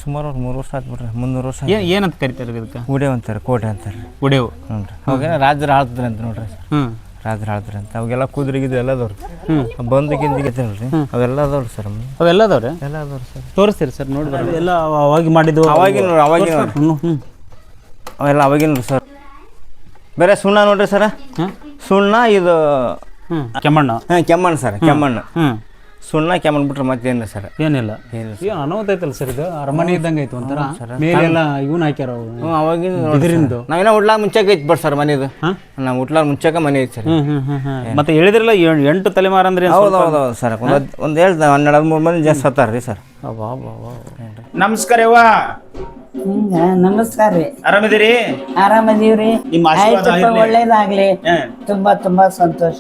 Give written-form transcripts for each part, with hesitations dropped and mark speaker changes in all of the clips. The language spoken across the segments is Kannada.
Speaker 1: ಸುಮಾರು ಒಂದು 3 ವರ್ಷ ಆಯ್ತು ಬಿಡ್ರಿ, 300 ವರ್ಷ.
Speaker 2: ಏನಂತ ಕರಿತಾರೆ ಇದಕ್ಕೆ?
Speaker 1: ಉಡೇವ್ ಅಂತಾರೆ, ಕೋಟೆ ಅಂತಾರೆ.
Speaker 2: ಉಡೇವು.
Speaker 1: ಹ್ಞೂ ರೀ. ಅವಾಗೇನ ರಾಜರು ಆಳ್ತಾರೆ ಅಂತ ನೋಡ್ರಿ ಸರ್. ರಾಜರು ಆಳ್ತಾರೆ ಅಂತ ಅವಾಗೆಲ್ಲ ಕುದುರೆಗಿದು ಎಲ್ಲ ಅದಾವ್ರಿ. ಬಂದು ಗಿಂದಿಗೆತ್ತಲ್ರಿ ಅವೆಲ್ಲ ಅದಾವ್ರಿ ಸರ್.
Speaker 2: ಅವೆಲ್ಲ ಅದಾವ್ರಿ?
Speaker 1: ಎಲ್ಲ ಅದಾವ್ರಿ ಸರ್.
Speaker 2: ತೋರಿಸ್ತೀರಿ ಸರ್ ನೋಡಿ ಬರ್ರಿ. ಎಲ್ಲ ಅವಾಗ ಮಾಡಿದ್ದು
Speaker 1: ಅವಾಗಿನ ಅವೆಲ್ಲ ಅವಾಗಿನ ಸರ್. ಬೇರೆ ಸುಣ್ಣ ನೋಡ್ರಿ ಸರ, ಸುಣ್ಣ ಇದು
Speaker 2: ಕೆಮ್ಮಣ್ಣ.
Speaker 1: ಕೆಮ್ಮಣ್ಣು ಸರ್, ಕೆಮ್ಮಣ್ಣು. ಸುಣ್ಣ ಕೆಮ್ಮಣ್ಣು ಬಿಟ್ರೆ ಮತ್ತೇನಿಲ್ಲ ಸರ್.
Speaker 2: ಏನಿಲ್ಲ. ಏನು ಅನಾಹುತ ಐತಲ್ಲ ಸರ್, ಇದು ಅರಮನೆ ಇದ್ದಂಗೆ ಐತೆ ಒಂಥರ. ಮೇಲೆಲ್ಲ ಇವನ್ ಹಾಕ್ಯಾರ
Speaker 1: ಅವಾಗಿನ
Speaker 2: ಇದರಿಂದ.
Speaker 1: ನಾವೇನೋ ಉಡ್ಲಾಗ ಮುಂಚೆಗೆ ಐತಿ ಬಟ್ ಸರ್ ಮನೆ ಇದು. ನಾವು ಉಡ್ಲಾಗ ಮುಂಚೆಗೆ ಮನೆ ಐತಿ ಸರ್.
Speaker 2: ಮತ್ತೆ ಹೇಳಿದ್ರಲ್ಲ 8 ತಲೆಮಾರು ಅಂದ್ರೆ?
Speaker 1: ಹೌದು ಸರ್. ಒಂದು 12-13 ಮಂದಿ ಜಾಸ್ತಿ ಸತ್ತಾರ ರೀ ಸರ್.
Speaker 2: ನಮಸ್ಕಾರ ಯವ್ವ.
Speaker 3: ನಮಸ್ಕಾರ ರೀ.
Speaker 2: ಆರಾಮಿದ್ದೀರಿ?
Speaker 3: ಆರಾಮದೀವ್ರಿ.
Speaker 2: ನಿಮ್ಮ ಆಶೀರ್ವಾದ
Speaker 3: ಒಳ್ಳೇದಾಗ್ಲಿ. ತುಂಬಾ ತುಂಬಾ ಸಂತೋಷ.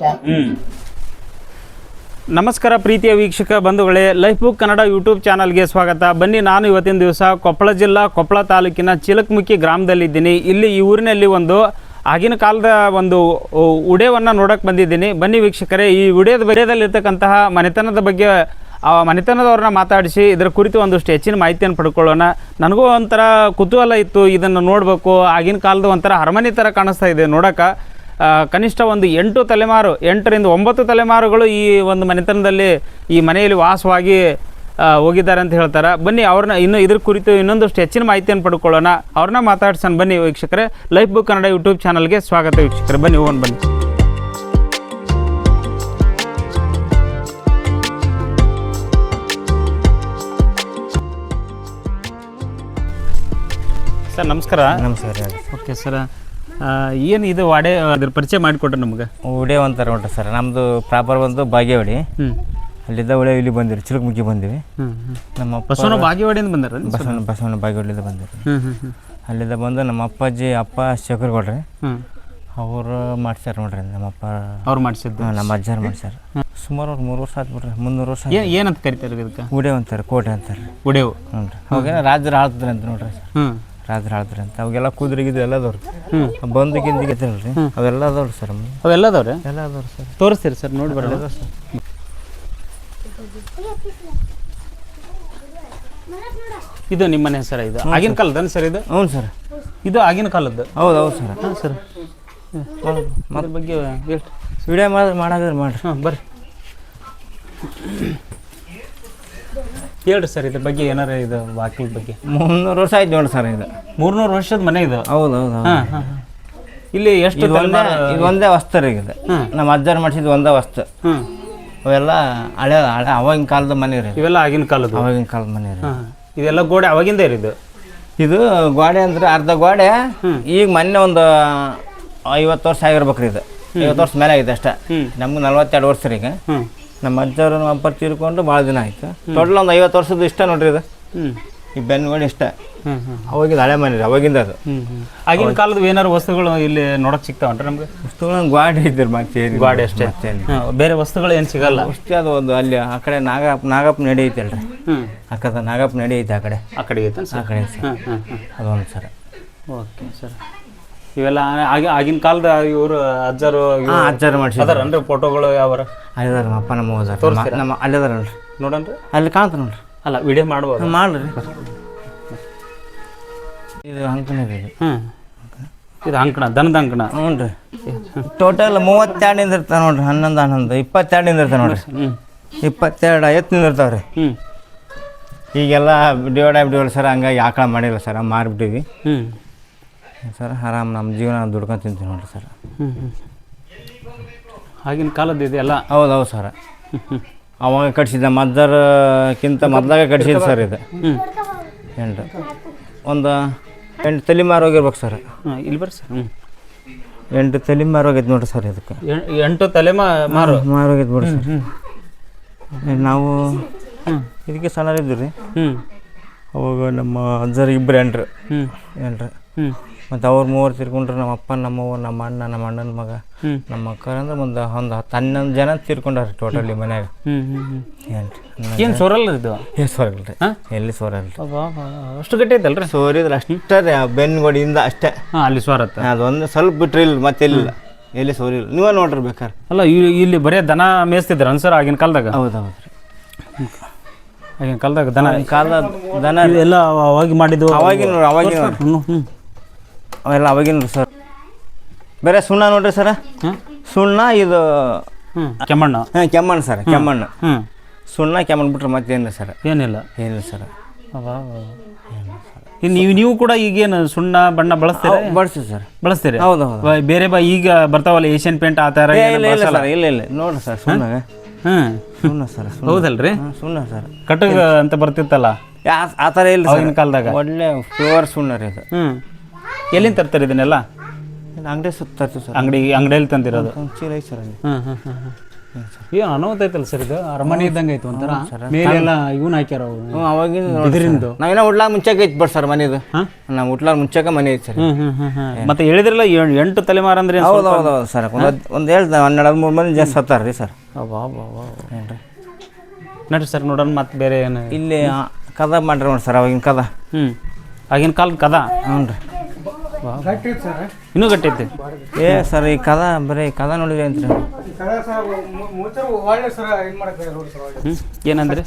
Speaker 2: ನಮಸ್ಕಾರ ಪ್ರೀತಿಯ ವೀಕ್ಷಕ ಬಂಧುಗಳೇ, ಲೈಫ್ ಬುಕ್ ಕನ್ನಡ ಯೂಟ್ಯೂಬ್ ಚಾನಲ್ಗೆ ಸ್ವಾಗತ. ಬನ್ನಿ, ನಾನು ಇವತ್ತಿನ ದಿವಸ ಕೊಪ್ಪಳ ಜಿಲ್ಲಾ ಕೊಪ್ಪಳ ತಾಲೂಕಿನ ಚಿಲಕಮುಖಿ ಗ್ರಾಮದಲ್ಲಿದ್ದೀನಿ. ಇಲ್ಲಿ ಈ ಊರಿನಲ್ಲಿ ಒಂದು ಆಗಿನ ಕಾಲದ ಒಂದು ಉಡೇವನ್ನು ನೋಡೋಕೆ ಬಂದಿದ್ದೀನಿ. ಬನ್ನಿ ವೀಕ್ಷಕರೇ, ಈ ಉಡೇದಲ್ಲಿರ್ತಕ್ಕಂತಹ ಮನೆತನದ ಬಗ್ಗೆ ಆ ಮನೆತನದವ್ರನ್ನ ಮಾತಾಡಿಸಿ ಇದರ ಕುರಿತು ಒಂದಷ್ಟು ಹೆಚ್ಚಿನ ಮಾಹಿತಿಯನ್ನು ಪಡ್ಕೊಳ್ಳೋಣ. ನನಗೂ ಒಂಥರ ಕುತೂಹಲ ಇತ್ತು, ಇದನ್ನು ನೋಡಬೇಕು. ಆಗಿನ ಕಾಲದ ಒಂಥರ ಅರಮನೆ ಥರ ಕಾಣಿಸ್ತಾ ಇದೆ ನೋಡೋಕೆ. ಕನಿಷ್ಠ ಒಂದು 8 ತಲೆಮಾರು, 8ರಿಂದ 9 ತಲೆಮಾರುಗಳು ಈ ಒಂದು ಮನೆತನದಲ್ಲಿ ಈ ಮನೆಯಲ್ಲಿ ವಾಸವಾಗಿ ಹೋಗಿದ್ದಾರೆ ಅಂತ ಹೇಳ್ತಾರೆ. ಬನ್ನಿ ಅವ್ರನ್ನ ಇದ್ರ ಕುರಿತು ಇನ್ನೊಂದಷ್ಟು ಹೆಚ್ಚಿನ ಮಾಹಿತಿಯನ್ನು ಪಡ್ಕೊಳ್ಳೋಣ. ಅವ್ರನ್ನ ಮಾತಾಡ್ಸೋಣ. ಬನ್ನಿ ವೀಕ್ಷಕರೇ, ಲೈಫ್ ಬುಕ್ ಕನ್ನಡ ಯೂಟ್ಯೂಬ್ ಚಾನಲ್ಗೆ ಸ್ವಾಗತ ವೀಕ್ಷಕರೇ. ಬನ್ನಿ ಹೋಗೋಣ ಬನ್ನಿ. ಸರ್ ನಮಸ್ಕಾರ.
Speaker 1: ನಮಸ್ಕಾರ.
Speaker 2: ಓಕೆ ಸರ್, ಏನು ಇದು ವಾಡೆ ಅದ್ರ ಪರಿಚಯ ಮಾಡಿಕೊಟ್ರೆ ನಮ್ಗೆ?
Speaker 1: ಉಡೇವ್ ಅಂತಾರೆ ನೋಡ್ರಿ ಸರ್. ನಮ್ಮದು ಪ್ರಾಪರ್ ಬಂದು ಬಾಗೇವಾಡಿ. ಅಲ್ಲಿದ್ದ ಉಡೇವ್ ಇಲ್ಲಿ ಬಂದಿರಿ, ಚಿಲಕಮುಖಿ ಬಂದಿವಿ. ನಮ್ಮ
Speaker 2: ಬಸವಣ್ಣ ಬಾಗೇವಾಡಿಯಿಂದ ಬಂದಾರ?
Speaker 1: ಬಸವಣ್ಣ ಬಾಗೇವಾಡಿಯಿಂದ ಬಂದಿರಿ. ಅಲ್ಲಿದ್ದ ಬಂದು ನಮ್ಮ ಅಪ್ಪಾಜಿ ಶೇಖರ್ಗೌಡ್ರಿ ಅವರು ಮಾಡ್ಸ್ಯಾರ ನೋಡ್ರಿ. ನಮ್ಮಪ್ಪ
Speaker 2: ಅವ್ರು ಮಾಡಿಸಿದ್ದು,
Speaker 1: ನಮ್ಮ ಅಜ್ಜಾರು ಮಾಡ್ಸ್ಯಾರ. ಸುಮಾರು ಒಂದು 3 ವರ್ಷ ಆಯ್ತು ಬಿಡ್ರಿ, 300 ವರ್ಷ.
Speaker 2: ಏನಂತ ಕರಿತಾರೆ ಇದಕ್ಕೆ?
Speaker 1: ಉಡೇವ್ ಅಂತಾರೆ, ಕೋಟೆ ಅಂತಾರೆ.
Speaker 2: ಉಡೇವು.
Speaker 1: ಹ್ಞೂ ರೀ. ಅವಾಗೇನ ರಾಜರು ಆಳ್ತಾರೆ ಅಂತ ನೋಡ್ರಿ ಸರ್. ರಾಜರು ಆಳ್ತಾರೆ ಅಂತ ಅವಾಗೆಲ್ಲ ಕುದುರೆಗಿದು ಎಲ್ಲ ಅದಾವ್ರಿ. ಬಂದು ಗಿಂದಿಗೆತ್ತಲ್ರಿ ಅವೆಲ್ಲ ಅದಾವ್ರಿ ಸರ್.
Speaker 2: ಅವೆಲ್ಲ ಅದಾವ್ರಿ?
Speaker 1: ಎಲ್ಲ ಅದಾವ್ರಿ ಸರ್.
Speaker 2: ತೋರಿಸ್ತೀರಿ ಸರ್ ನೋಡಿ ಬರಲ್ಲ
Speaker 1: ಸರ್.
Speaker 2: ಇದು ನಿಮ್ಮ ಮನೆ ಸರ್? ಇದು ಆಗಿನ ಕಾಲದ ಸರ್ ಇದು?
Speaker 1: ಹ್ಞೂ ಸರ್,
Speaker 2: ಇದು ಆಗಿನ ಕಾಲದ್ದು.
Speaker 1: ಹೌದು ಸರ್.
Speaker 2: ಹಾಂ ಸರ್, ಅದ್ರ ಬಗ್ಗೆ ಹೇಳಿ.
Speaker 1: ವಿಡಿಯೋ ಮಾಡಾದ್ರೆ ಮಾಡ್ರಿ.
Speaker 2: ಬರ್ರಿ ಹೇಳ್ರಿ ಸರ್, ಇದ್ರ ಬಗ್ಗೆ ಏನಾರ ಇದು ವಾಕಿಲ್ ಬಗ್ಗೆ.
Speaker 1: 300 ವರ್ಷ ಆಯ್ತು ನೋಡಿ ಸರ್. ಇದು
Speaker 2: 300 ವರ್ಷದ ಮನೆ ಇದು?
Speaker 1: ಹೌದು.
Speaker 2: ಇಲ್ಲಿ ಎಷ್ಟು?
Speaker 1: ಇದು ಒಂದೇ ವಸ್ತು ರೀ. ಇದು ನಮ್ಮ ಅಜ್ಜಾರು ಮಾಡಿಸಿದ್ದು ಒಂದೇ ವಸ್ತು. ಅವೆಲ್ಲ ಹಳೆ ಅವಾಗಿನ ಕಾಲದ ಮನೆ ರೀ.
Speaker 2: ಇವೆಲ್ಲ ಆಗಿನ ಕಾಲದ? ಅವಾಗಿನ
Speaker 1: ಕಾಲದ ಮನೆ ರೀ.
Speaker 2: ಇದೆಲ್ಲ ಗೋಡೆ ಅವಾಗಿಂದ ಇರಿದು?
Speaker 1: ಇದು ಗೋಡೆ ಅಂದ್ರೆ ಅರ್ಧ ಗೋಡೆ. ಈಗ ಮೊನ್ನೆ ಒಂದು 50 ವರ್ಷ ಆಗಿರ್ಬೇಕ್ರಿ. ಇದು 50 ವರ್ಷ ಮೇಲೆ ಆಗಿದೆ ಅಷ್ಟೇ. ನಮ್ಗೆ 42 ವರ್ಷ ರೀ. ಈಗ ನಮ್ಮ ಅಜ್ಜವ್ರು ನಮ್ಮ ಅಪ್ಪ ತೀರ್ಕೊಂಡು ಭಾಳ ದಿನ ಆಯ್ತು. ಟೋಟಲ್ ಒಂದು 50 ವರ್ಷದ ಇಷ್ಟ ನೋಡ್ರಿ. ಇದು ಈ ಬೆನ್ನುಗಳು ಇಷ್ಟ. ಅವಾಗಿಂದ ಹಳೆ ಮನೆ ರೀ, ಅವಾಗಿಂದ ಅದು.
Speaker 2: ಆಗಿನ ಕಾಲದ ಏನಾರು ವಸ್ತುಗಳು ಇಲ್ಲಿ ನೋಡಕ್ ಸಿಗ್ತಾವನ್ರಿ ನಮ್ಗೆ?
Speaker 1: ವಸ್ತುಗಳು ಗಾಡಿ ಇದ್ದಿರಿ, ಮತ್ತೆ
Speaker 2: ಗಾಡಿ ಅಷ್ಟೇ, ಬೇರೆ ವಸ್ತುಗಳು ಏನು ಸಿಗಲ್ಲ
Speaker 1: ಅಷ್ಟೇ. ಅದು ಒಂದು ಅಲ್ಲಿ ಆ ಕಡೆ ನಾಗಪ್ಪ ನಡಿ ಐತಲ್ರಿ, ಅಕ್ಕದ ನಾಗಪ್ಪ ನಡಿ ಐತೆ. ಆ ಕಡೆ ಐತೆ, ಆ ಕಡೆ ಅದೊಂದು ಸರ್.
Speaker 2: Okay sir. ಇವೆಲ್ಲ ಆಗಿನ ಕಾಲದ ಇವರು ಅಜ್ಜರು ಮಾಡಿಸಿದಾರನ್ರಿ? ಫೋಟೋಗಳು ಯಾವ
Speaker 1: ಅಲ್ಲಿದಾರ? ನಮ್ಮ ಅಪ್ಪ ನಮ್ಮ ಹೋದಾರ ನಮ್ಮ ಅಲ್ಲಿದಾರಲ್ರಿ.
Speaker 2: ನೋಡನ್ರಿ,
Speaker 1: ಅಲ್ಲಿ ಕಾಣ್ತ ನೋಡ್ರಿ.
Speaker 2: ಅಲ್ಲ ವಿಡಿಯೋ ಮಾಡ್ಬೋದು?
Speaker 1: ಮಾಡ್ರಿ. ಇದು ಅಂಕಣ ರೀ.
Speaker 2: ಇದು ಅಂಕಣ, ದನದ ಅಂಕಣ.
Speaker 1: ಹ್ಞೂ ರೀ. ಟೋಟಲ್ 32 ಇರ್ತಾವೆ ನೋಡ್ರಿ. 11 22 ಇರ್ತಾವೆ ನೋಡ್ರಿ. 22 ಎತ್ತಿನಿಂದ ಇರ್ತಾವೆ ರೀ. ಈಗೆಲ್ಲ ಡಿವೈಡ್ ಆಗಿಬಿಟ್ಟಿವಲ್ಲ ಸರ್, ಹಂಗಾಗಿ ಆಕಳ ಮಾಡಿಲ್ಲ ಸರ್, ಮಾರಿಬಿಟ್ಟಿವಿ ಸರ್. ಆರಾಮ್ ನಮ್ಮ ಜೀವನ ದುಡ್ಕೊಂಡು ತಿಂತೀವಿ ನೋಡ್ರಿ ಸರ್.
Speaker 2: ಆಗಿನ ಕಾಲದ್ದು ಇದೆಯಲ್ಲ?
Speaker 1: ಹೌದು ಸರ್. ಅವಾಗ ಕಟ್ಸಿದ್ದ ಮದ್ದರ್ಕಿಂತ ಮೊದಲಾಗ ಕಟ್ಸಿದ್ದು ಸರ್. ಇದು 8 ತಲೆಮಾರು ಹೋಗಿರ್ಬೇಕು ಸರ್.
Speaker 2: ಇಲ್ಲಿ ಬರ್ರಿ ಸರ್.
Speaker 1: 8 ತಲೆಮಾರು ಹೋಗೈತೆ ನೋಡ್ರಿ ಸರ್. ಇದಕ್ಕೆ
Speaker 2: 8 ತಲೆಮಾರು
Speaker 1: ಹೋಗೈತೆ ಬಿಡ್ರಿ ಸರ್. ನಾವು ಇದಕ್ಕೆ ಸಣ್ಣರಿದ್ದೀವಿ ರೀ. ಅವಾಗ ನಮ್ಮ ಅಜ್ಜರು 2 ಹೆಣ್ರು. ಮತ್ತು ಅವ್ರು 3 ತೀರ್ಕೊಂಡ್ರು. ನಮ್ಮ ಅಪ್ಪ, ನಮ್ಮವ್ವ, ನಮ್ಮ ಅಣ್ಣ, ನಮ್ಮ ಅಣ್ಣನ ಮಗ, ನಮ್ಮ ಅಕ್ಕರ ಅಂದ್ರೆ ಒಂದು 11 ಜನ ತೀರ್ಕೊಂಡಾರ ಟೋಟಲಿ ಮನ್ಯಾಗ.
Speaker 2: ಏನು ಸೋರಲ್ಲ ಇದು?
Speaker 1: ಸೋರಲ್ಲ ರೀ, ಎಲ್ಲಿ ಸೋರಲ್ಲ.
Speaker 2: ಅಷ್ಟು ಗಟ್ಟಿ ಐತಲ್ರಿ?
Speaker 1: ಸೋರಿದ್ರೆ ಅಷ್ಟೇ ರೀ, ಆ ಬೆನ್ನುಗೋಡಿಯಿಂದ ಅಷ್ಟೇ.
Speaker 2: ಅಲ್ಲಿ ಸೋರತ್ತ
Speaker 1: ಅದೊಂದು ಸ್ವಲ್ಪ ಬಿಟ್ರೆ ಇಲ್ಲ, ಮತ್ತೆ ಎಲ್ಲಿ ಸೋರಿಲ್ಲ. ನೀವೇ ನೋಡ್ರಿ ಬೇಕಾರೆ.
Speaker 2: ಅಲ್ಲ ಇಲ್ಲಿ ಬರೀ ದನ ಮೇಯಿಸ್ತಿದ್ರು ಅನ್ಸರ್ ಆಗಿನ ಕಾಲದಾಗ?
Speaker 1: ಹೌದು ರೀ.
Speaker 2: ಆಗಿನ ಕಾಲದಾಗ ದನ
Speaker 1: ಕಾಲ ದನ
Speaker 2: ಎಲ್ಲ ಅವಾಗಿ ಮಾಡಿದ್ದು
Speaker 1: ಅವಾಗಿನ ಅವೆಲ್ಲ ಅವಾಗಿನ ಸರ್. ಬೇರೆ ಸುಣ್ಣ ನೋಡ್ರಿ ಸರ, ಸುಣ್ಣ ಇದು
Speaker 2: ಕೆಮ್ಮಣ್ಣು.
Speaker 1: ಹಾಂ ಕೆಮ್ಮಣ್ಣು ಸರ್, ಕೆಮ್ಮಣ್ಣು.
Speaker 2: ಹ್ಞೂ
Speaker 1: ಸುಣ್ಣ ಕೆಮ್ಮಣ್ಣು ಬಿಟ್ರೆ ಮತ್ತೇನಿಲ್ಲ ಸರ್.
Speaker 2: ಏನಿಲ್ಲ
Speaker 1: ಏನಿಲ್ಲ ಸರ್.
Speaker 2: ನೀವು ಕೂಡ ಈಗೇನು ಸುಣ್ಣ ಬಣ್ಣ ಬಳಸ್ತೀರಾ?
Speaker 1: ಬಳಸ್ತೀವಿ ಸರ್.
Speaker 2: ಬಳಸ್ತೀರಿ?
Speaker 1: ಹೌದು ಹೌದು.
Speaker 2: ಬೇರೆ ಈಗ ಬರ್ತಾವಲ್ಲ ಏಷ್ಯನ್ ಪೇಂಟ್ ಆ ಥರ
Speaker 1: ಇಲ್ಲ ಇಲ್ಲ ಸರ್, ಇಲ್ಲ ಇಲ್ಲ ನೋಡ್ರಿ ಸರ್ ಸುಣ್ಣ. ಸುಣ್ಣ ಸರ್.
Speaker 2: ಹೌದಲ್ರಿ?
Speaker 1: ಸುಣ್ಣ ಸರ್.
Speaker 2: ಕಟಕ್ ಅಂತ ಬರ್ತಿತ್ತಲ್ಲ
Speaker 1: ಆ ಥರ ಇಲ್ಲ
Speaker 2: ಆಗಿನ ಕಾಲದಾಗ.
Speaker 1: ಒಳ್ಳೆ ಪ್ಯೂರ್ ಸುಣ್ಣ ರೀ ಇದು.
Speaker 2: ಎಲ್ಲಿಂದ ತರ್ತಾರೆ ಇದನ್ನೆಲ್ಲ?
Speaker 1: ಅಂಗಡಿ ಸುತ್ತ ತರ್ತೀವಿ ಸರ್.
Speaker 2: ಅಂಗಡಿಯಲ್ಲಿ ತಂದಿರೋದು.
Speaker 1: ಚೀಲ ಐತೆ ಸರ್ ಅಲ್ಲಿ.
Speaker 2: ಏನು ಅನುಮತಿ ಐತಲ್ಲ ಸರ್ ಇದು? ಅರಮನೆ ಇದ್ದಂಗೆ ಐತೆ ಒಂಥರ. ಮೇಲೆಲ್ಲ ಇವನ್ ಹಾಕ್ಯಾರ
Speaker 1: ಅವಾಗಿಂದ
Speaker 2: ಇದರಿಂದ.
Speaker 1: ನಾವೇನೋ ಉಡ್ಲಾಗ ಮುಂಚೆಗೆ ಐತೆ ಬಟ್ ಸರ್ ಮನೆದು. ನಾವು ಉಡ್ಲಾಗ ಮುಂಚೆಗೆ ಮನೆ ಐತೆ ಸರ್.
Speaker 2: ಮತ್ತೆ ಹೇಳಿದ್ರಲ್ಲ 8 ತಲೆಮಾರು ಅಂದ್ರೆ
Speaker 1: ಹೌದು ಹೌದು ಹೌದು ಸರ್. ಒಂದು ಹೇಳ್ದೆ 12-13 ಮಂದಿ ಜಾಸ್ತಿ ಸತ್ತಾರ ರೀ ಸರ್.
Speaker 2: ಏನ್ರಿ ನಡ್ರಿ ಸರ್ ನೋಡೋಣ. ಮತ್ತೆ ಬೇರೆ ಏನು
Speaker 1: ಇಲ್ಲಿ ಕದ ಮಾಡ್ರಿ ನೋಡಿ ಸರ್, ಅವಾಗಿನ ಕದ.
Speaker 2: ಆಗಿನ ಕಾಲದ ಕದ.
Speaker 1: ಹ್ಞೂ ರೀ.
Speaker 2: ಇನ್ನೂ ಗಟ್ಟೈತಿ.
Speaker 1: ಸರ್ ಈ ಕದ ಬರೀ ಕದ ನೋಡಿದ್ರಿ ಅಂತ್ರಿ.
Speaker 2: ಏನಂದ್ರಿ?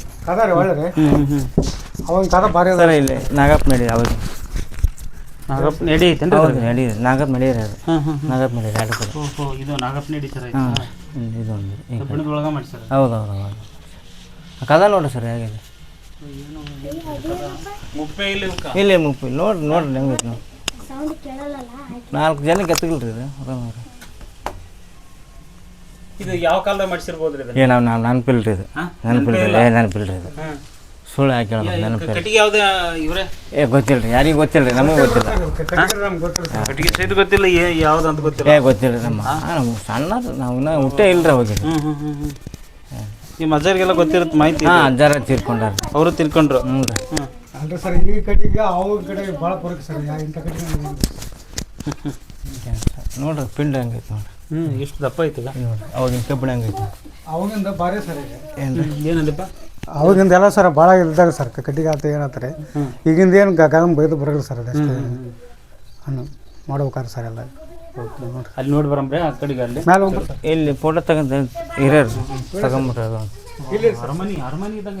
Speaker 1: ಸರ್ ಇಲ್ಲಿ ನಾಗಪ್ಪ ನಡಿ ಅವಾಗ
Speaker 2: ನಾಗಪ್ಪ ನಡಿ ಐತೆ
Speaker 1: ನಡಿ ನಾಗಪ್ಪ ನಡೀರಿ ಅದು. ನಾಗಪ್ಪ ನಡೀರಿ ಎರಡು ಕಡೆ.
Speaker 2: ಇದು ನಾಗಪ್ಪ ನಡಿ ಸರ್.
Speaker 1: ಇದೊಂದು
Speaker 2: ಒಳಗೆ ಮಾಡಿ ಸರ್.
Speaker 1: ಹೌದು ಹೌದು ಹೌದು. ಕದ ನೋಡ್ರಿ ಸರ್ ಹೇಗಿದೆ. ಇಲ್ಲಿ ಮುಪ್ಪು ನೋಡ್ರಿ ನೋಡ್ರಿ ಹೆಂಗೈತೆ ನಾವು 4 ಜನಕ್ಕೆ ಎತ್ತಗಿಲ್ರಿ ಇದು.
Speaker 2: ಇದು ಯಾವ ಕಾಲದಾಗ ಮಾಡಿಸಿರ್ಬೋದ್ರಿ ಇದು?
Speaker 1: ನಾವು ನೆನಪಿಲ್ರಿ ಇದು. ನೆನಪಿಲ್ರಿ ಇದು. ಸುಳ್ಳು ಹಾಕಿ ನೆನಪಿಲ್ಲ.
Speaker 2: ಕಟ್ಟಿಗೆ ಯಾವ್ದು ಇವರೇ?
Speaker 1: ಗೊತ್ತಿಲ್ರಿ, ಯಾರಿಗೂ ಗೊತ್ತಿಲ್ರಿ, ನಮಗೆ ಗೊತ್ತಿಲ್ಲ.
Speaker 2: ಕಟ್ಟಿಗೆ ಸಹಿತ ಗೊತ್ತಿಲ್ಲ, ಯಾವ್ದು ಅಂತ ಗೊತ್ತಿಲ್ಲ.
Speaker 1: ಗೊತ್ತಿಲ್ರಿ. ನಮ್ಮ ಸಣ್ಣ ನಾವು ಹುಟ್ಟೇ ಇಲ್ರಿ ಅವಾಗ.
Speaker 2: ನಿಮ್ಮ ಅಜ್ಜರಿಗೆಲ್ಲ ಗೊತ್ತಿರುತ್ತೆ ಮಾಹಿತಿ?
Speaker 1: ಹಾಂ ಅಜ್ಜಾರ ತೀರ್ಕೊಂಡಾರ.
Speaker 2: ಅವರು ತಿಳ್ಕೊಂಡ್ರು.
Speaker 1: ಹ್ಞೂ ರೀ.
Speaker 4: ಅಲ್ರಿ ಸರ್, ಈ ಕಡೆಗೆ ಅವ್ರ ಕಡೆ ಭಾಳ ಪರಕ್ ಸರ್. ಇಂಥ ಕಡೆಗೆ
Speaker 1: ನೋಡ್ರಿ ಪಿಂಡ ಹಂಗೈತೆ ನೋಡ್ರಿ.
Speaker 2: ಎಷ್ಟು ದಪ್ಪ ಐತದ
Speaker 1: ನೋಡ್ರಿ. ಅವಾಗಿನ ಕಬ್ಬಿಣ ಹಂಗೈತೆ.
Speaker 4: ಅವಾಗಿಂದ ಭಾರಿ ಸರ್. ಈಗ
Speaker 2: ಏನಂದಪ್ಪ?
Speaker 4: ಅವಾಗಿಂದ ಎಲ್ಲ ಸರ್ ಭಾಳ ಇದ್ದಾಗ ಸರ್ ಕಟ್ಟಿಗೆ ಆತ ಏನತ್ತಾರೆ. ಈಗಿಂದ ಏನು ಗಗನ ಬೈದು ಬರಲ್ಲ ಸರ್. ಅದಷ್ಟೇ ಮಾಡ್ಬೇಕಾರೆ ಸರ್ ಎಲ್ಲ.
Speaker 2: ಅಲ್ಲಿ ನೋಡಿ ಬರಂಬ್ರೆ ಆ ಕಡೆಗೆ. ಅಲ್ಲಿ
Speaker 4: ಮೇಲೆ ಹೋಗ್ಬೇಕು.
Speaker 1: ಇಲ್ಲಿ ಫೋಟೋ ತಗೊಂತ ಹಿರಿಯರು ತಗೊಂಬಿಟ್ರೆ
Speaker 2: ಅರಮನೆ ಇದ್ದಂಗೆ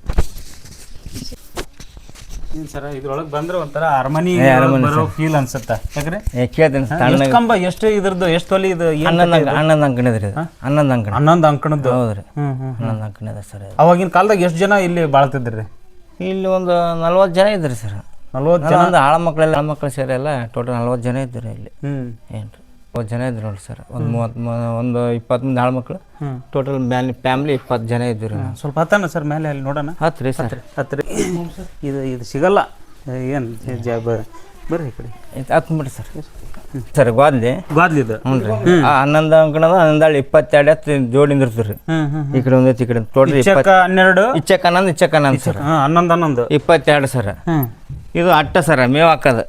Speaker 2: ಏನು ಸರ? ಇದ್ರೊಳಗೆ ಬಂದ್ರೆ ಒಂಥರ ಅರಮನೆ ಬರೋ ಫೀಲ್ ಅನ್ಸುತ್ತೆ. ಯಾಕ್ರೆ
Speaker 1: ಕೇಳ್ತೇನೆ.
Speaker 2: ಕಂಬ ಎಷ್ಟು ಇದ್ರದ್ದು ಎಷ್ಟು ತೊಲಿ ಇದು?
Speaker 1: ಹನ್ನೊಂದು ಅಂಕಣದ್ರಿ ಇದು. 11 ಅಂಕಣ.
Speaker 2: 11 ಅಂಕಣದ್ದು.
Speaker 1: ಹೌದ್ರಿ. 11 ಅಂಕಣ ಇದೆ ಸರ್.
Speaker 2: ಅವಾಗಿನ ಕಾಲದಾಗ ಎಷ್ಟು ಜನ ಇಲ್ಲಿ ಬಾಳ್ತಿದ್ರಿ?
Speaker 1: ಇಲ್ಲಿ ಒಂದು 40 ಜನ ಇದ್ರಿ ಸರ್.
Speaker 2: 40 ಜನ?
Speaker 1: ಆಳ ಮಕ್ಕಳು ಸೇರಿ ಎಲ್ಲ ಟೋಟಲ್ 40 ಜನ ಇದ್ರಿ ಇಲ್ಲಿ. ಏನು 40 ಜನ ಇದ್ರು ನೋಡಿ ಸರ್. ಒಂದು 20 ಮಂದಿ ಆಳ ಮಕ್ಕಳು. ಟೋಟಲ್ ಫ್ಯಾಮಿಲಿ 20 ಜನ ಇದ್ದರು.
Speaker 2: ಸ್ವಲ್ಪ ಹತ್ತಾನ ಸರ್ ಮೇಲೆ, ಅಲ್ಲಿ ನೋಡೋಣ.
Speaker 1: ಹತ್ರಿ ಸರ್.
Speaker 2: ಹತ್ರಿ. ಇದು ಸಿಗಲ್ಲ ಏನು? ಬರ್ರಿ ಈ ಕಡೆ
Speaker 1: ಹತ್ಬಿಡ್ರಿ ಸರ್. ಸರ್ ಗೋದ್ಲಿ
Speaker 2: ಗಾದ್ಲಿದು.
Speaker 1: ಹ್ಞೂ ರೀ. 11 ಅಂಕಣದ 11 22 ಎತ್ತು ಜೋಡಿ ನಿಂದಿರ್ತೀರಿ. ಈ ಕಡೆ ಒಂದು ಈ ಕಡೆ ಟೋಟಲ್
Speaker 2: 12
Speaker 1: ಇಚ್ಚಕ್ಕೆ 11 ಸರ್.
Speaker 2: 11
Speaker 1: 22 ಸರ್. ಇದು ಅಟ್ಟ ಸರ ಮೇವು ಹಾಕೋದು.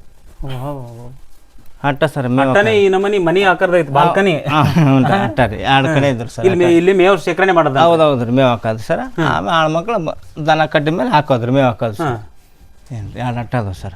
Speaker 1: ಅಟ್ಟ ಸರ್ ಮೇವು.
Speaker 2: ಈ ನಮ್ಮನಿ ಮನಿ ಆಕಾರದ ಬಾಲ್ಕನಿ.
Speaker 1: ಹ್ಞೂ ರೀ ಅಟ್ಟ ರೀ. 2 ಕಡೆ ಇದ್ರು ಸರ್.
Speaker 2: ಇಲ್ಲಿ ಮೇವು ಶೇಖರಣೆ ಮಾಡೋದು.
Speaker 1: ಹೌದು ರೀ. ಮೇವು ಹಾಕೋದು ಸರ್. ಆಮೇಲೆ ಆಳು ಮಕ್ಕಳು ದನ ಕಟ್ಟಿದ ಮೇಲೆ ಹಾಕೋದ್ರಿ ಮೇವು ಹಾಕೋದು ಸರ್. ಏನು ರೀ 2 ಅಟ್ಟ ಅದಾವ ಸರ್.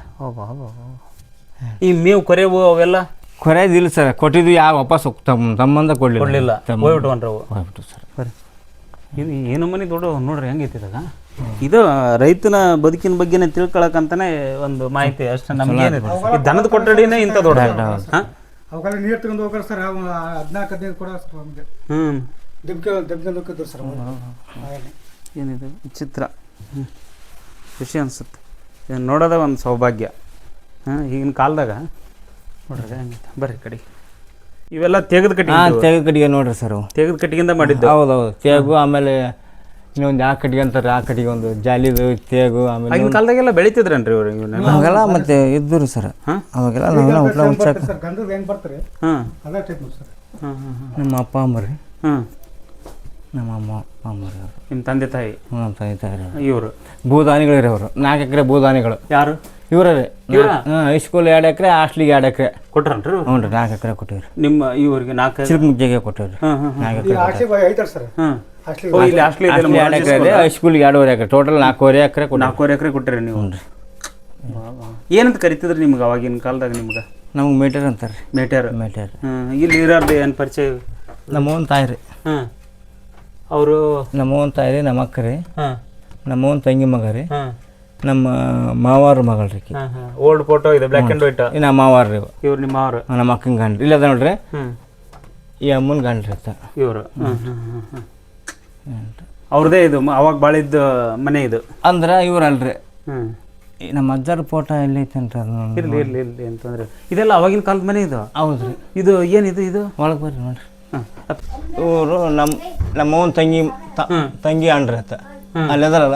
Speaker 2: ಈ ಮೇವು ಕೊರೆವು ಅವೆಲ್ಲ
Speaker 1: ಕೊರೆಯೋದಿಲ್ಲ ಸರ್. ಕೊಟ್ಟಿದ್ವಿ ಯಾವ ವಾಪಸ್ ತಮ್ಮಂದ
Speaker 2: ಕೊಡಲಿಲ್ಲ, ಹೋಗ್ಬಿಟ್ವನ್ರವು.
Speaker 1: ಹೋಗ್ಬಿಟ್ಟು ಸರ್.
Speaker 2: ಇದು ಏನು ಮನೆ ದೊಡ್ಡ ನೋಡ್ರಿ ಹೆಂಗೈತಿ ಇದಾಗ. ಇದು ರೈತನ ಬದುಕಿನ ಬಗ್ಗೆನೇ ತಿಳ್ಕೊಳಕಂತಾನೆ ಒಂದು ಮಾಹಿತಿ ಅಷ್ಟೇ ನಮ್ಗೆ. ದನದ ಕೊಠಡಿನೇ ಇಂಥ ದೊಡ್ಡ.
Speaker 4: ಅವಾಗೆಲ್ಲ ನೀರು ತಗೊಂಡು ಹೋಗ್ತಾರೆ ಸರ್. 14-15 ಕೊಡ ಸರ್ ನಮಗೆ. ದಬ್ಕೊಂಡು ಸರ್.
Speaker 2: ಏನಿದೆ ಚಿತ್ರ ಖುಷಿ ಅನ್ಸುತ್ತೆ. ಇದನ್ನು ನೋಡೋದ ಒಂದು ಸೌಭಾಗ್ಯ. ಈಗಿನ ಕಾಲದಾಗ ನೋಡ್ರಿ ಹಂಗಿತ್ತು. ಬರ್ರಿ ಕಡೆಗೆ ಇವೆಲ್ಲ ತೆಗೆದು
Speaker 1: ಕಟ್ಟಿಗೆ ನೋಡ್ರಿ ಸರ್.
Speaker 2: ತೆಗೆದು ಕಟ್ಟಿಗೆಯಿಂದ ಮಾಡಿದ್ದು.
Speaker 1: ಹೌದೌದು. ತೇಗು ಆಮೇಲೆ ಇನ್ನೊಂದು ಆ ಕಟ್ಟಿಗೆ ಅಂತಾರೆ. ಆ ಕಟ್ಟಿಗೆ ಒಂದು ಜಾಲಿದು ತೇಗು. ಆಮೇಲೆ
Speaker 2: ಆಗಿನ ಕಾಲದಾಗೆಲ್ಲ ಬೆಳಿತಿದ್ರನ್ರಿ ಇವ್ರು
Speaker 1: ಅವಾಗೆಲ್ಲ ಮತ್ತೆ ಇದ್ದರು ಸರ್. ಅವಾಗೆಲ್ಲ ನಾವೆಲ್ಲ ಊಟ ಮುಂಚೆ
Speaker 4: ಗಂಧದ ಹೆಂಗೆ ಬರ್ತಾರೆ ಅದೇ ಟೈಪ್ ನೋಡಿ ಸರ್.
Speaker 1: ನಮ್ಮ ಅಪ್ಪ ಅಮ್ಮರಿ. ನಮ್ಮ ಅಮ್ಮ ಅಮ್ಮರಿ ಅವರು.
Speaker 2: ನಿಮ್ಮ ತಂದೆ ತಾಯಿ?
Speaker 1: ನಮ್ಮ ತಂದೆ ತಾಯಿ
Speaker 2: ಇವರು
Speaker 1: ಭೂದಾನಿಗಳಿರಿ ಅವರು. 4 ಎಕರೆ ಭೂದಾನಿಗಳು.
Speaker 2: ಯಾರು?
Speaker 1: ಇವರೇ. ಹೈಸ್ಕೂಲ್ 2 ಎಕರೆ, ಹಾಸ್ಟ್ಲಿಗೆ 2 ಎಕರೆ
Speaker 2: ಕೊಟ್ರನ್ರಿ.
Speaker 1: ಹ್ಞೂ ರೀ. 4 ಎಕರೆ ಕೊಟ್ಟಿವ್ರಿ.
Speaker 2: ನಿಮ್ಮ ಇವ್ರಿಗೆ 4
Speaker 1: ಚಿಲ್ಕಮುಜ್ಜಿಗೆ ಕೊಟ್ಟಿವ್ರಿ. 4 ಎಕರೆ
Speaker 4: ಐತಾರೆ ಸರ್.
Speaker 2: ಇಲ್ಲಿ ಹಾಸ್ಟ್ಲಿ
Speaker 1: 2 ಎಕರೆ, ಹೈಸ್ಕೂಲ್ಗೆ 2.5 ಎಕರೆ, ಟೋಟಲ್ 4.5 ಎಕರೆ.
Speaker 2: 4 ಎಕರೆ ಕೊಟ್ಟಿರಿ ನೀವು.
Speaker 1: ಹ್ಞೂ ರೀ.
Speaker 2: ಏನಂತ ಕರಿತಿದ್ರಿ ನಿಮ್ಗೆ ಅವಾಗಿನ ಕಾಲದಾಗ? ನಿಮ್ಗೆ
Speaker 1: ನಮ್ಗೆ ಮೇಟರ್ ಅಂತಾರೆ ರೀ.
Speaker 2: ಮೇಟರ್. ಇಲ್ಲಿ ಇರೋದು ಏನು ಪರಿಚಯ?
Speaker 1: ನಮ್ಮವನ್ ತಾಯಿ ರೀ.
Speaker 2: ಅವರು
Speaker 1: ನಮ್ಮವನ್ ತಾಯಿ ರೀ. ನಮ್ಮ ಅಕ್ಕ ರೀ. ನಮ್ಮ ಅವ್ನ ತಂಗಿ ಮಗ ರೀ,
Speaker 2: ಹಾಂ
Speaker 1: ನಮ್ಮ ಮಾವಾರ ಮಗಳು ರೀ.
Speaker 2: ಹಾಂ ಹಾಂ ಓಲ್ಡ್ ಫೋಟೋ ಇದೆ, ಬ್ಲ್ಯಾಕ್ ಆ್ಯಂಡ್ ವೈಟ್.
Speaker 1: ನಮ್ಮ ಮಾವಾರ ರೀ
Speaker 2: ಇವ್ರು ನಿಮ್ಮ ಅವ್ರು?
Speaker 1: ನಮ್ಮ ಅಕ್ಕನ ಗಂಡ್ರಿ ಇಲ್ಲ ಅದ ನೋಡ್ರಿ,
Speaker 2: ಹ್ಞೂ
Speaker 1: ಈ ಅಮ್ಮನ ಗಂಡ್ರಿ ಅತ್ತ
Speaker 2: ಇವರು. ಹ್ಞೂ ಹ್ಞೂ ಹ್ಞೂ ಹ್ಞೂ ಅವ್ರದ್ದೇ ಇದು ಅವಾಗ ಬಾಳಿದ್ದ ಮನೆ ಇದು
Speaker 1: ಅಂದ್ರೆ ಇವ್ರು ಅಲ್ರಿ.
Speaker 2: ಹ್ಞೂ
Speaker 1: ನಮ್ಮ ಅಜ್ಜರ ಫೋಟೋ ಎಲ್ಲೈತೇನ್ರಿ ಅದು?
Speaker 2: ಇರಲಿ ಇರಲಿ ಇರಲಿ ಅಂತಂದ್ರೆ ಇದೆಲ್ಲ ಅವಾಗಿನ ಕಾಲದ ಮನೆ ಇದು.
Speaker 1: ಹೌದ್ರಿ.
Speaker 2: ಇದು ಏನಿದು ಇದು?
Speaker 1: ಒಳಗೆ ಬರ್ರಿ ನೋಡ್ರಿ.
Speaker 2: ಹಾಂ
Speaker 1: ಇವರು ನಮ್ಮವನ ತಂಗಿ ಅಣ್ಣ್ರಿ ಆತ ಅಲ್ಲಿ ಅದಾರಲ್ಲ,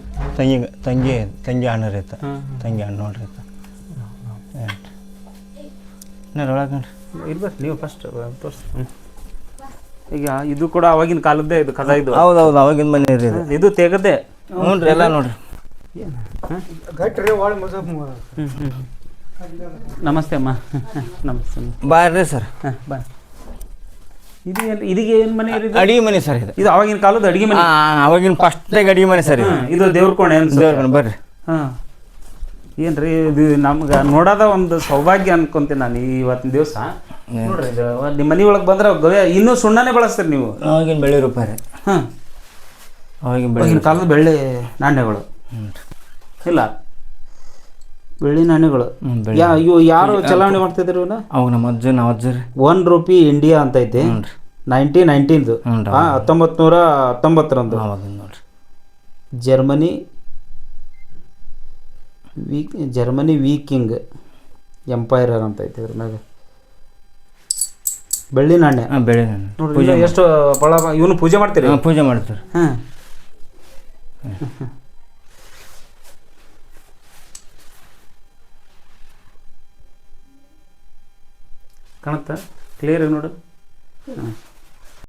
Speaker 1: ತಂಗಿ ಅಣ್ಣ ರೀ ಆತ, ತಂಗಿ ಅಣ್ಣ ನೋಡ್ರಿ ಆತ. ಒಳಗೆ ನೋಡ್ರಿ
Speaker 2: ಇರ್ಬೇಕು ನೀವು ಫಸ್ಟ್ ತೋರಿಸಿ. ಈಗ ಇದು ಕೂಡ ಅವಾಗಿನ ಕಾಲದ್ದೇ ಇದು ಕದ ಇದು?
Speaker 1: ಹೌದೌದು ಅವಾಗಿನ ಮನೆ ರೀ ಇದು.
Speaker 2: ಇದು ತೆಗದೆ.
Speaker 1: ಹ್ಞೂ ರೀ ಎಲ್ಲ ನೋಡ್ರಿ.
Speaker 4: ಗಟ್ರಿ ಒಳ ಮಜಾ
Speaker 2: ನಮಸ್ತೆ ಅಮ್ಮ. ನಮಸ್ತೆ
Speaker 1: ಬಾರ್ರಿ ಸರ್.
Speaker 2: ಹಾಂ ಬಾ. ಇದು ಇದೀಗ ಏನು ಮನೆ ಇದು?
Speaker 1: ಅಡಿಗೆ ಮನೆ ಸರ್ ಇದು.
Speaker 2: ಇದು ಅವಾಗಿನ ಕಾಲದ ಅಡಿಗೆ ಮನೆ?
Speaker 1: ಅವಾಗಿನ ಫಸ್ಟಾಗಿ ಅಡಿಗೆ ಮನೆ ಸರ್ ಇದು.
Speaker 2: ಇದು ದೇವ್ರ ಕೋಣೆ
Speaker 1: ದೇವ್ರ ಬರ್ರಿ.
Speaker 2: ಹಾಂ ಏನ್ರಿ ಇದು ನಮ್ಗೆ ನೋಡೋದ ಒಂದು ಸೌಭಾಗ್ಯ ಅನ್ಕೊಂತೀನಿ ನಾನು ಇವತ್ತಿನ ದಿವಸ. ನೋಡ್ರಿ ಇದು ನಿಮ್ಮ ಮನೆ ಒಳಗೆ ಬಂದ್ರೆ ಇನ್ನೂ ಸುಣ್ಣನೇ ಬಳಸ್ತೀರಿ ನೀವು?
Speaker 1: ಅವಾಗಿನ ಬೆಳ್ಳಿ ರೂಪಾಯಿ ರೀ.
Speaker 2: ಹಾಂ
Speaker 1: ಅವಾಗಿನ
Speaker 2: ಕಾಲದ ಬೆಳ್ಳಿ ನಾಣ್ಯಗಳು ಇಲ್ಲ, ಬೆಳ್ಳಿ ನಾಣ್ಯಗಳು. ಇವು ಯಾರು ಚಲಾವಣೆ ಮಾಡ್ತಿದ್ರು ಇವನ್ನ?
Speaker 1: ಅವಾಗ ನಮ್ಮ ಅಜ್ಜ ನಾವು ಅಜ್ಜ ರೀ.
Speaker 2: ₹1 ಇಂಡಿಯಾ ಅಂತ ಐತಿ, 1919 1919
Speaker 1: ನೋಡ್ರಿ.
Speaker 2: ಜರ್ಮನಿ ವೀಕಿಂಗ್ ಎಂಪೈರ್ ಅಂತ ಐತಿ ಇದ್ರ ಮ್ಯಾಗ ಬೆಳ್ಳಿ ನಾಣ್ಯ.
Speaker 1: ಬೆಳ್ಳಿ ನಾಣ್ಯ
Speaker 2: ನೋಡ್ರಿ ಎಷ್ಟು ಬಹಳ ಇವನು ಪೂಜೆ ಮಾಡ್ತೀರಿ?
Speaker 1: ಪೂಜೆ ಮಾಡ್ತಾರೆ.
Speaker 2: ಹಾಂ ಕಾಣುತ್ತಾ ಕ್ಲಿಯರ್ ನೋಡು. ಹಾಂ